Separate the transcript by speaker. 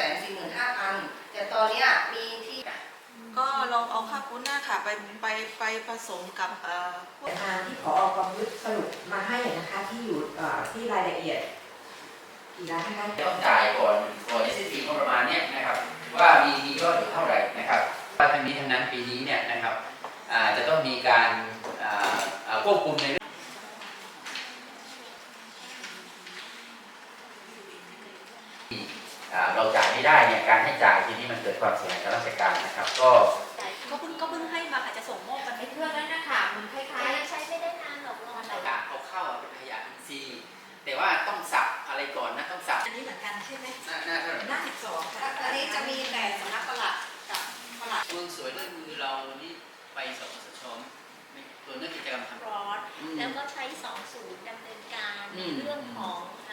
Speaker 1: 245,000แต่ตอนนี้มีที่
Speaker 2: ก็ลองเอาข้าวปุ้นหน้าค่ะไปผสมกับ
Speaker 3: งานที่ผอ.กองยุทธสรุปมาให้นะคะที่อยู่ที่รายละเอียดกี่ล้านคะ
Speaker 4: ต้องจ่ายก่อนSST งบประมาณเนี้ยนะครับว่ามียอดอยู่เท่าไหร่นะครับว่าทั้งนี้ทั้งนั้นปีนี้เนี่ยนะครับจะต้องมีการควบคุมในเราจ่ายไม่ได้เนี่ยการให้จ่ายทีนี้มันเกิดความเสียหายกับราชการนะครับก็
Speaker 2: เพิ่งให้มาอาจจะส่งมอบกันให้
Speaker 5: เครื่องนั้นนะคะมันคล้ายๆ
Speaker 6: ใช้ไม่ได้นานหรอกรอ
Speaker 4: เอาเข้าเป็นขยะอินทรีย์แต่ว่าต้องสับอะไรก่อนนะต้องสับ
Speaker 2: อันนี้เหมือนกันใช่ไหม
Speaker 4: หน้าเท่าไหร่
Speaker 2: หน้า12ค่ะ
Speaker 1: อันนี้จะมีแต่สำนักปลัดกับปลัด
Speaker 4: เมืองสวยด้วยมือเรานี่ไปสปสชตัวเรื่องกิจกรรมทำ
Speaker 6: รอดแล้วก็ใช้20ดำเนินการในเรื่องของ